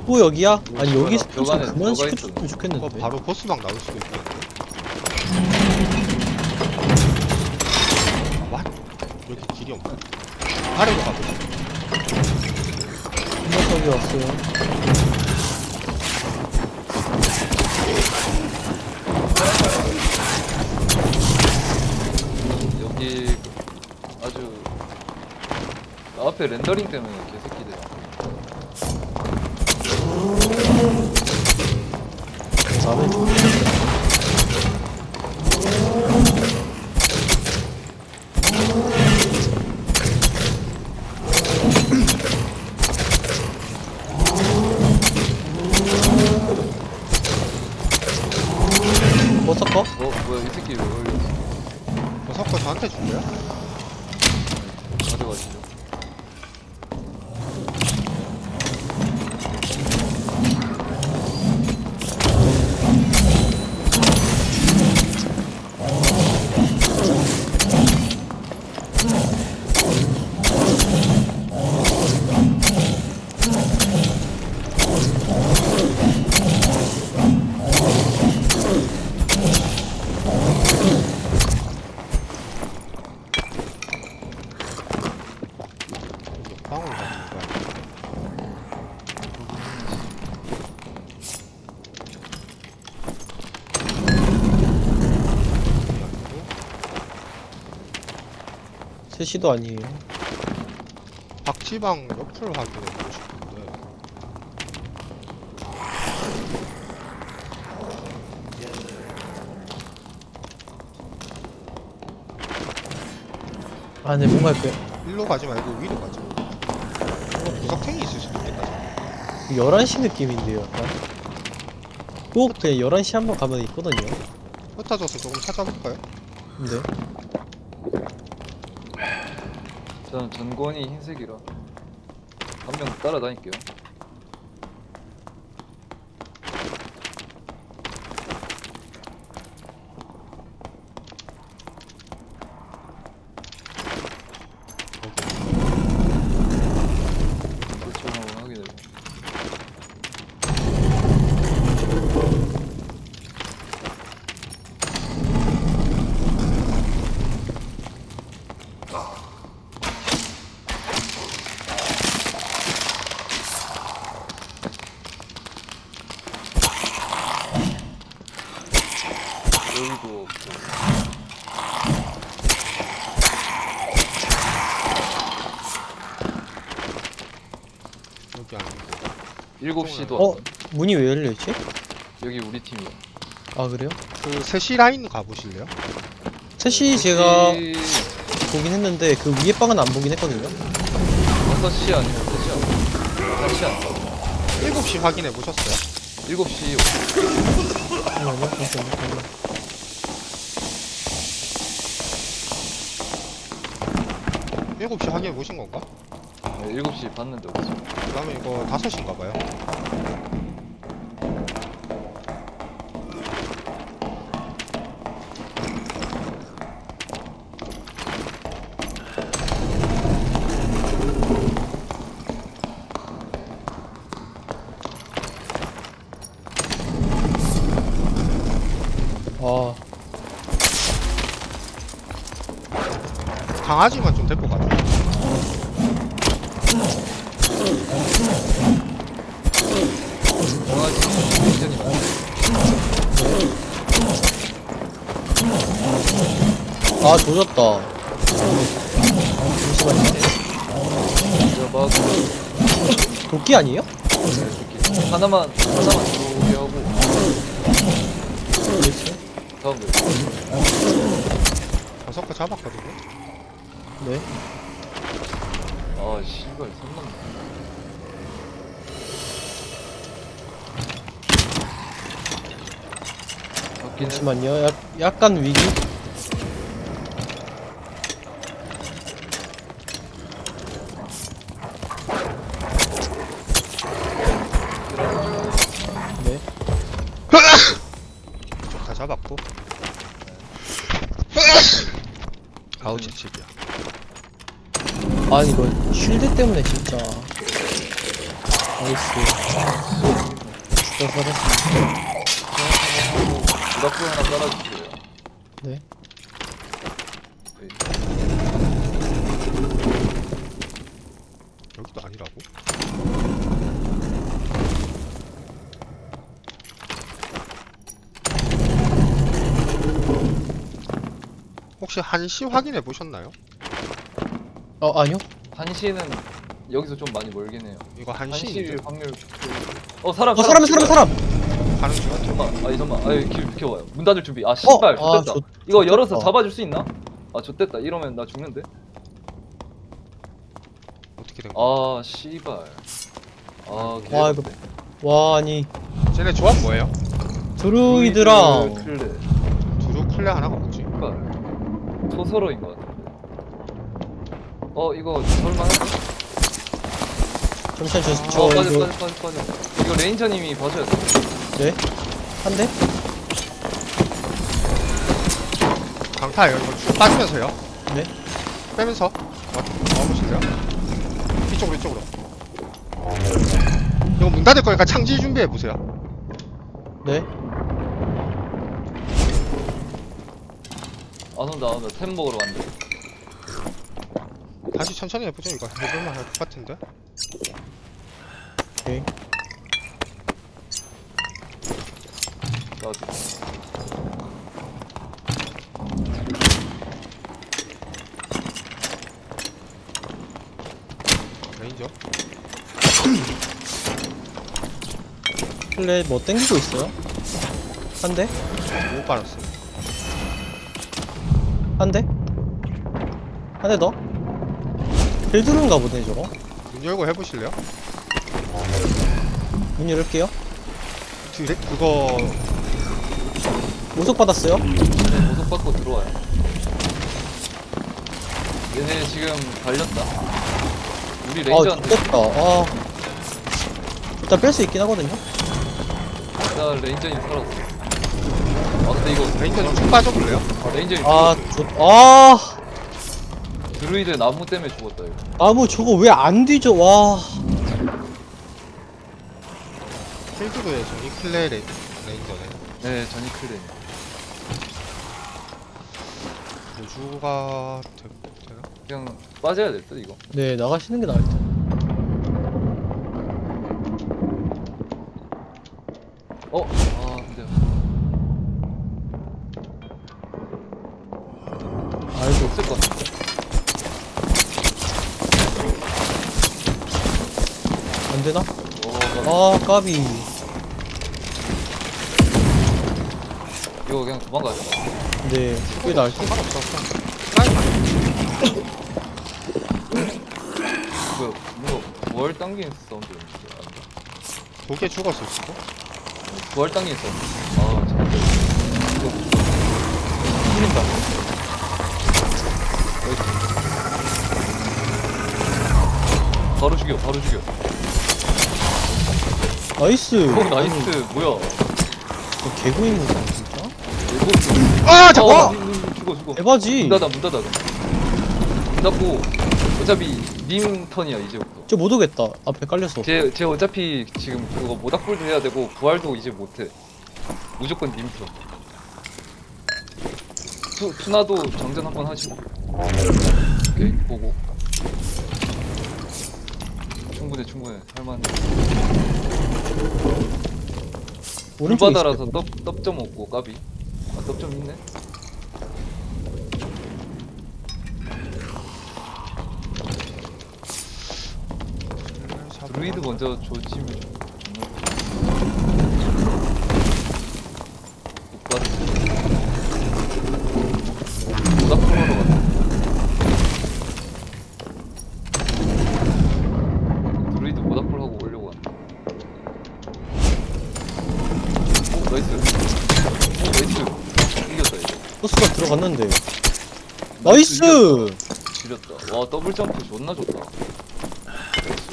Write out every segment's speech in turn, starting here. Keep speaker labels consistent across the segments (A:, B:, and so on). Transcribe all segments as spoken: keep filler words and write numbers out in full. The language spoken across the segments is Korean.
A: 또 여기야? 아니
B: 벽
A: 여기서
B: 안에-
A: 좀
B: 벽 안에
A: 그만
B: 들어가
A: 시켜줬으면
C: 이거
A: 좋겠는데.
C: 바로 보스방 나올 수도 있겠는데? 아, 왓? 여기 길이 없나? 아래로 가보자.
A: 녀석이 왔어요.
B: 여기 아주 앞에 렌더링 때문에 개새끼들.
A: 나는 좀 버섯커?
B: 어 뭐야 이 새끼 왜 걸렸어?
C: 저 석고 저한테 준 거야?
B: 가져가시죠.
C: 여기 방으로 가는 거야. 여기 아니고.
A: 셋이도 아니에요.
C: 박지방 옆을 확인해보고 싶은데.
A: 아 근데 뭔가 그
C: 일로 가지 말고 위로 가자. 이거 구석탱이 있을 수도 있겠다.
A: 열한 시 느낌인데요 약간. 꼭 그냥 열한 시 한번 가면 있거든요.
C: 흩어져서 조금 찾아볼까요?
A: 근데
B: 저는 전권이 흰색이라 한 명 따라다닐게요. 그렇죠 한번 확인해요. 여기도 없고.
C: 여기 아니고.
B: 일곱 시도
A: 어?
B: 안
A: 문이 왜 열려있지?
B: 여기 우리 팀이야.
A: 아 그래요?
C: 그 셋이 라인 가보실래요?
A: 셋이 제가
B: 혹시
A: 보긴 했는데 그 위에 방은 안 보긴 했거든요.
B: 다섯 시 아니면 세 시 아니면 한 시 아니면
C: 일곱 시 확인해 보셨어요?
B: 일곱 시
A: 잠깐만요. 잠깐만요. 잠깐만요.
C: 일곱 시 확인해 보신 건가?
B: 네, 일곱 시 봤는데 없어.
C: 그러면 이거 다섯 시인가 봐요.
A: 아
C: 강아지만 좀 데리고 가자.
B: 강아지 굉장히 많아.
A: 아 조졌다. 잠시만요.
B: 제가 막
A: 도끼 아니에요?
B: 이렇게 하나만 하나만 들어오게 하고
A: 그렇죠.
B: 다음 거.
C: 저 석고 잡았거든요.
A: 네.
B: 아 씨발 손 넘네. 맞긴 해.
A: 잠시만요. 약, 약간 위기. 네.
C: 다 잡았고. 아우 지칩이야.
A: 아 이거 쉴드 때문에 진짜 나이스. 진짜 살았습니다.
B: 부닥불 하나 깔아주세요.
A: 네.
B: 네.
C: 여기도 아니라고? 혹시 한시 확인해 보셨나요?
A: 어 아니요.
B: 한시는 여기서 좀 많이 멀긴 해요.
C: 이거 한시
B: 한시 확률. 어 사람
A: 어 사람 사람 사람.
C: 가는 중.
B: 잠깐만. 아니 잠깐만. 아니 길 비켜봐요. 문 닫을 준비. 아 씨발.
A: 아,
B: 좋됐다.
A: 좋-
B: 이거
A: 좋됐다.
B: 열어서 잡아줄 수 있나? 아 좋됐다. 이러면 나 죽는데.
C: 어떻게 된 거야?
B: 아 씨발. 아
A: 와,
B: 개같네.
A: 이거- 와 아니
C: 쟤네 조합 뭐예요?
A: 드루이드랑
B: 클레.
C: 두루 클레 하나가 뭐지?
B: 씨발. 초서로인 것 같은데. 어 이거 설만한데?
A: 잠시만 저,
B: 어
A: 저
B: 빠져
A: 이거
B: 빠져 빠져 빠져. 이거 레인저님이 봐줘야 돼.
A: 네? 한 대?
C: 강타예요. 이거 쭉 빠지면서요.
A: 네?
C: 빼면서 와, 와보실래요? 이쪽으로 이쪽으로. 이거 문 닫을 거니까 창지 준비해 보세요.
A: 네?
B: 안 온다 안 온다. 템 먹으러 간대.
C: 다시 천천히 해보죠. 이거 해볼만 할 것 같은데.
A: 오케이.
B: 나도.
C: 레인저.
A: 플레이 뭐 땡기고 있어요? 한 대?
C: 못 빨았어.
A: 한 대? 한 대 더? 빌드루인가 보네 저거.
C: 문 열고 해보실래요?
A: 문 열을게요.
C: 드레 그거
A: 우석 받았어요?
B: 얘네 보석 받고 들어와요. 얘네 지금 갈렸다. 우리
A: 아
B: 레인저한테.
A: 좋겠다. 아 일단 뺄 수 있긴 하거든요.
B: 나 레인저님 살았어. 아 근데 이거
C: 레인저 좀 쭉 빠져볼래요?
B: 아 레인저님
A: 아
B: 죽었어.
A: 좋.. 아
B: 드루이드 나무 때문에 죽었다 이거.
A: 나무 저거 왜 안 뒤져. 와
C: 필드도에 저기 클레 레, 레인저네.
B: 네 전이 클레.
C: 보주가 되, 되나?
B: 그냥 빠져야 될 듯 이거.
A: 네 나가시는 게 나을 듯.
B: 어? 아 근데
A: 아이고
B: 없을 것 같은데.
A: 안 되나?
B: 어,
A: 아 까비.
B: 이거 그냥 도망가자.
A: 네 그게 나을 듯.
C: 상관없어. 프라이팬.
B: 뭐야? 뭐야? 부활 당기는 사운드였는데.
C: 독에 죽었을 수도?
B: 부활 당기는 사운드. 아 잠깐. 이거
A: 풀린다.
B: 바로 죽여. 바로 죽여.
A: 나이스.
B: 어 나이스. 뭐야?
A: 이거 개구입니다 진짜.
B: 일곱.
C: 아 잠깐!
B: 어, 음, 음, 죽어 죽어.
A: 에바지.
B: 문 닫아 문 닫아. 문 닫고 어차피 님 턴이야 이제부터.
A: 저 못 오겠다. 앞에 깔렸어.
B: 쟤, 쟤 어차피 지금 그거 모닥불도 해야 되고 부활도 이제 못해. 무조건 님 턴. 투, 투나도 장전 한번 하시고. 오케이 보고. 충분해 충분해 할만해.
A: 오른쪽에
B: 불바다라서
A: 있을
B: 떡, 떡점 없고 까비. 아 떡점 있네. 드루이드 먼저 조지면 좋네. 모닥불하러 갔다. 드루이드 모닥불 하고 오려고 한다. 오 나이스. 오 나이스. 이겼다 이거.
A: 토스가 들어갔는데. 나이스.
B: 지렸다. 와 더블 점프 존나 좋다. 나이스.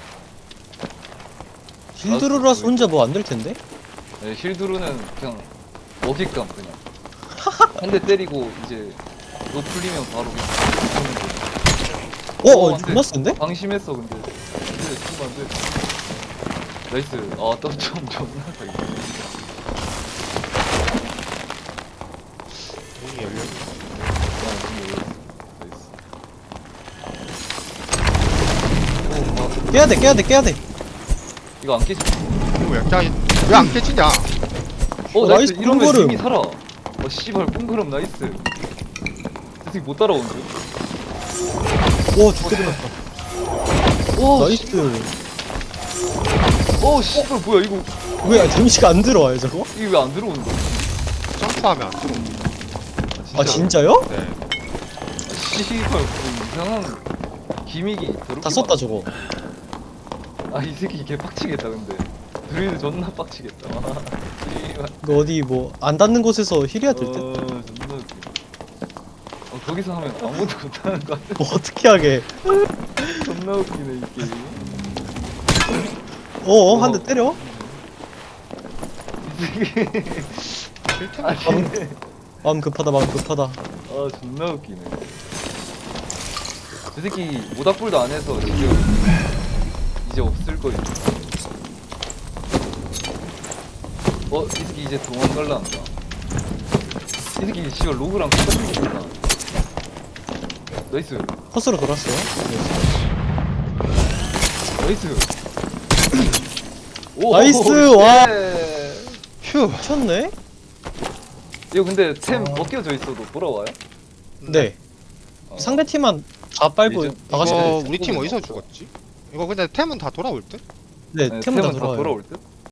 A: 힐드루라서 혼자 뭐 안 될 텐데?
B: 네, 힐드루는 그냥 먹잇감 그냥 한 대 때리고 이제 너 풀리면 바로 그냥 죽는 거.
A: 어,
B: 어,
A: 어
B: 안 돼.
A: 존나 센데?
B: 방심했어 근데 근데 죽으면 안돼. 나이스. 아, 또좀 존나 사기.
C: 문이 열려.
B: 아, 나이스. 오, 아,
A: 깨야 돼, 깨야 돼, 깨야 돼.
B: 이거 안 깨지?
C: 이거 약간 왜안 깨지냐?
B: 어,
A: 어,
B: 나이스.
A: 나이스,
B: 이러면
A: 꽁그름.
B: 이미 살아. 어, 씨발, 꽁그름 나이스. 이 새끼 못 따라오는데?
A: 와, 죽게 되났다.
B: 와,
A: 나이스.
B: 어, 씨발, 뭐야, 이거.
A: 왜 데미지가 안 들어와요, 저거?
B: 이게 왜 안 들어오는 거야?
C: 점프하면 안 들어.
A: 아, 진짜요?
C: 네.
B: 아, 씨발, 무슨 이상한 기믹이 더럽게
A: 다 썼다,
B: 많아.
A: 저거.
B: 아, 이 새끼 개 빡치겠다, 근데. 드루이드 존나 빡치겠다. 씨발.
A: 이거 어디 뭐, 안 닿는 곳에서 힐해야 될 듯?
B: 어, 존나 웃겨. 어, 거기서 하면 아무것도 못하는 거 같아.
A: 뭐, 어떻게 하게.
B: 존나 웃기네, 이 게임.
A: 어어, 한 대 때려?
B: 이 새끼.
C: 실템
B: 아니,
A: 마음 급하다, 마음 급하다.
B: 아, 존나 웃기네. 저 새끼 모닥불도 안 해서 지금 이제 없을 거예요. 어, 이 새끼 이제 도망갈라 한다. 이 새끼 씨발 로그랑 똑같은 거구나. 나이스.
A: 컷으로 돌았어요.
B: 나이스. 오,
A: 나이스,
B: 오,
A: 와.
B: 쉣.
C: 휴.
A: 미쳤네?
B: 이거 근데 템
A: 아.
B: 벗겨져 있어도 돌아와요?
A: 네.
B: 어.
A: 상대 팀만 다 빨고
B: 이제-
A: 나가시면
C: 이거
A: 돼요.
C: 우리 팀 어디서
B: 없어.
C: 죽었지? 이거 근데 템은 다 돌아올 듯?
A: 네,
B: 네,
A: 템은 다
B: 템은 다
A: 돌아와요.
B: 돌아올 듯?